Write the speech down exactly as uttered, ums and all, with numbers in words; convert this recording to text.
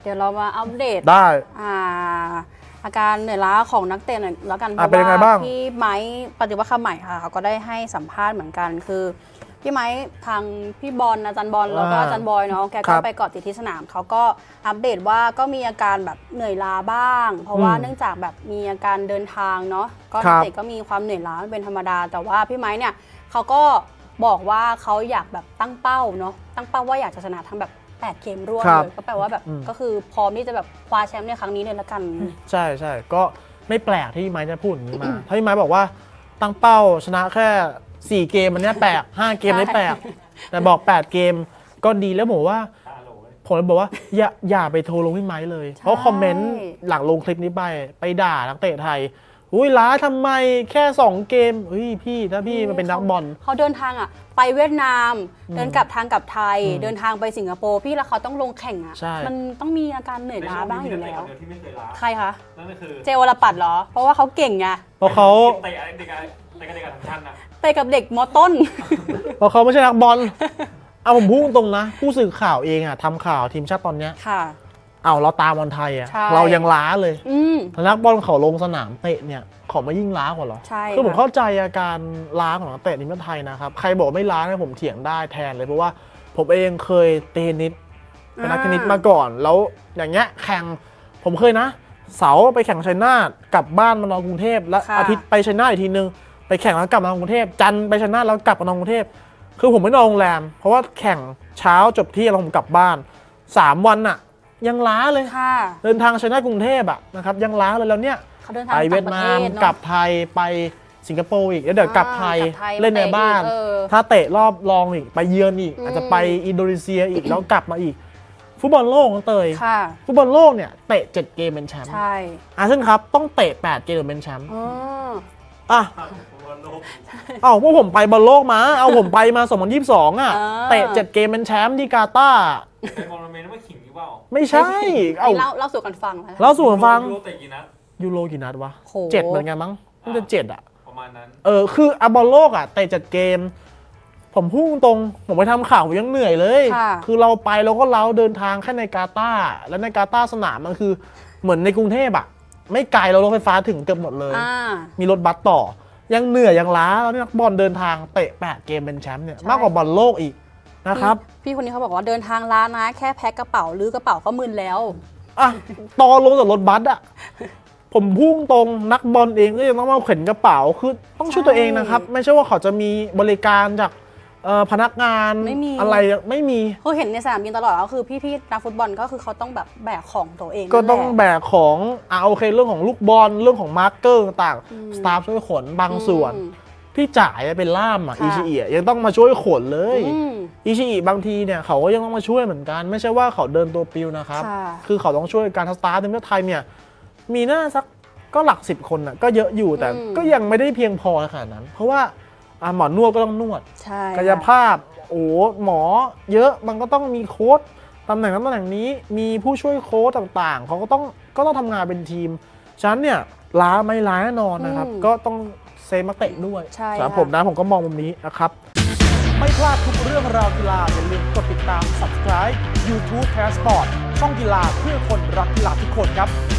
เดี๋ยวเรามาอัปเดตได้อ่าอาการเหนื่อยล้าของนักเตะหน่อยแล้วกันเพอ่ะราะเป็นยังไงบ้างว่าพี่ไม้ปฏิวัติคำใหม่ค่ะเขาก็ได้ให้สัมภาษณ์เหมือนกันคือพี่ไม้ทางพี่บอลอาจารย์บอลแล้วก็อาจารย์บอยเนาะแกก็ไปเกาะติดที่สนามเขาก็อัปเดตว่าก็มีอาการแบบเหนื่อยล้าบ้าง เพราะว่าเนื่องจากแบบมีอาการเดินทางเนาะก็นักเตะก็มีความเหนื่อยล้าเป็นธรรมดาแต่ว่าพี่ไม้เนี่ยเขาก็บอกว่าเขาอยากแบบตั้งเป้าเนาะตั้งเป้าว่าอยากจะชนะทั้งแบบแปดเกมรวดเลยก็แปลว่าแบบก็คือพร้อมที่จะแบบคว้าแชมป์ในครั้งนี้เลยละกันใช่ใช่ก็ไม่แปลกที่ไม้จะพูดอย่างนี้มาถ้าพี่ไม้บอกว่าตั้งเป้าชนะแค่สี่เกมมันเนี้ยแปลกห้าเกมไม่แปลกแต่บอกแปดเกมก็ดีแล้วผมว่าผมเลยบอกว่าอย่าอย่าไปโทรลงพี่ไม้เลยเพราะคอมเมนต์หลังลงคลิปนี้ไปไปด่านักเตะไทยอุ้ยล้าทำไมแค่สองเกมเฮ้ยพี่ถ้าพี่มันเป็นนักบอลเขาเดินทางอ่ะไปเวียดนามเดินกลับทางกลับไทยเดินทางไปสิงคโปร์พี่แล้วเขาต้องลงแข่งอ่ะมันต้องมีอาการเหนื่อยล้าบ้างอยู่แล้วใครคะนั่นก็คือเจวรปัตรเหรอเพราะว่าเขาเก่งไงเพราะเขาเตะเด็กเตะกับเด็กกับชั้นนะเตะกับเด็กมอต้นเพราะเขาไม่ใช่นักบอลเอาผมพูดตรงนะผู้สื่อข่าวเองอ่ะทำข่าวทีมชาติตอนเนี้ยค่ะเอาเราตามบอลไทยอ่ะเรายังล้าเลยนักบอลเขาลงสนามเตะเนี่ยเขาไม่ยิ่งล้ากว่าหรอคือผมเข้าใจอาการล้าของนักเตะทีมชาติไทยนะครับใครบอกไม่ล้าเนี่ยผมเถียงได้แทนเลยเพราะว่าผมเองเคยเตะเทนนิสเป็นนักเทนนิสมาก่อนแล้วอย่างเงี้ยแข่งผมเคยนะเสาร์ไปแข่งชัยนาทกลับบ้านมานอนกรุงเทพแล้วอาทิตย์ไปชัยนาทอีกทีนึงไปแข่งแล้วกลับมานอนกรุงเทพจันทร์ไปชัยนาทแล้วกลับมานอนกรุงเทพคือผมไม่นอนโรงแรมเพราะว่าแข่งเช้าจบที่แล้วผมกลับบ้านสามวันอะยังล้าเลยเดินทางชัยนาทกรุงเทพอะนะครับยังล้าเลยแล้วเนี่ยไปเวียดนามกลับไทยไปสิงคโปร์อีกแล้วเดี๋ยวกลับไทยเล่นในบ้านถ้าเตะรอบรองอีกไปเยือนอีกอาจจะไปอินโดนีเซียอีกแล้วกลับมาอีกฟุตบอลโลกของเตยฟุตบอลโลกเนี่ยเตะเจ็ดเกมเป็นแชมป์อาเซียนครับต้องเตะแปดเกมเป็นแชมป์อ่ะเอาพวกผมไปบอลโลกมาเอาผมไปมาสองพันยี่สิบสองอ่ะเตะเจ็ดเกมเป็นแชมป์ที่กาตาร์ไอ้บอลเมนไม่ขิงหรือเปล่าไม่ใช่เอาเล่าเล่าสู่กันฟังเล่าสู่กันฟังยูโรเตะกี่นัดยูโรกี่นัดวะเจ็ดเหมือนกันมั้งน่าจะเจ็ดอ่ะประมาณนั้นเออคืออะบอลโลกอ่ะเตะเจ็ดเกมผมพุ่งตรงผมไปทำข่าวผมยังเหนื่อยเลยคือเราไปเราก็เล้าเดินทางแค่ในกาตาร์แล้วในกาตาร์สนามมันคือเหมือนในกรุงเทพอ่ะไม่ไกลเรารถไฟฟ้าถึงเกือบหมดเลยมีรถบัสต่อยังเหนื่อยยังล้าแล้วนักบอลเดินทางเตะแปดเกมเป็นแชมป์เนี่ยมากกว่าบอลโลกอีกนะครับพี่คนนี้เขาบอกว่าเดินทางล้านะแค่แพ็คกระเป๋าหรือกระเป๋าก็มึนแล้วอ่ะตอนลงจากรถบัสอ่ะผมพุ่งตรงนักบอลเองก็ยังต้องมาเข็นกระเป๋าคือต้องช่วยตัวเองนะครับไม่ใช่ว่าเขาจะมีบริการจากพนักงานอะไรไม่มีเขาเห็นในสนามบินตลอดก็คือพี่ๆนักฟุตบอลก็คือเขาต้องแบบแบกของตัวเองก็ต้องแบกของอ่าโอเคเรื่องของลูกบอลเรื่องของมาร์กเกอร์ต่างสตาฟช่วยขนบางส่วนพี่จ่ายเป็นล่ามอ่ะอิชิอิยังต้องมาช่วยขนเลยอิชิอิบางทีเนี่ยเขาก็ยังต้องมาช่วยเหมือนกันไม่ใช่ว่าเขาเดินตัวปิวนะครับคือเขาต้องช่วยการสตาฟทีมชาติไทยเนี่ยมีหน้าสักก็หลักสิบคนอ่ะก็เยอะอยู่แต่ก็ยังไม่ได้เพียงพอขนาดนั้นเพราะว่าหมอนวดก็ต้องนวดกายภาพโอ้หมอเยอะมันก็ต้องมีโค้ชตำแหน่งนั้นตำแหน่งนี้มีผู้ช่วยโค้ชต่างๆเขาก็ต้องก็ต้องทำงานเป็นทีมฉะนั้นเนี่ยล้าไม่ล้าแน่นอนนะครับก็ต้องเซฟนักเตะด้วยสำหรับผมนะผมก็มองมุมนี้นะครับไม่พลาดทุกเรื่องราวกีฬาอย่าลืมกดติดตาม ซับสไครบ์ ยูทูบ Passport ช่องกีฬาเพื่อคนรักกีฬาทุกคนครับ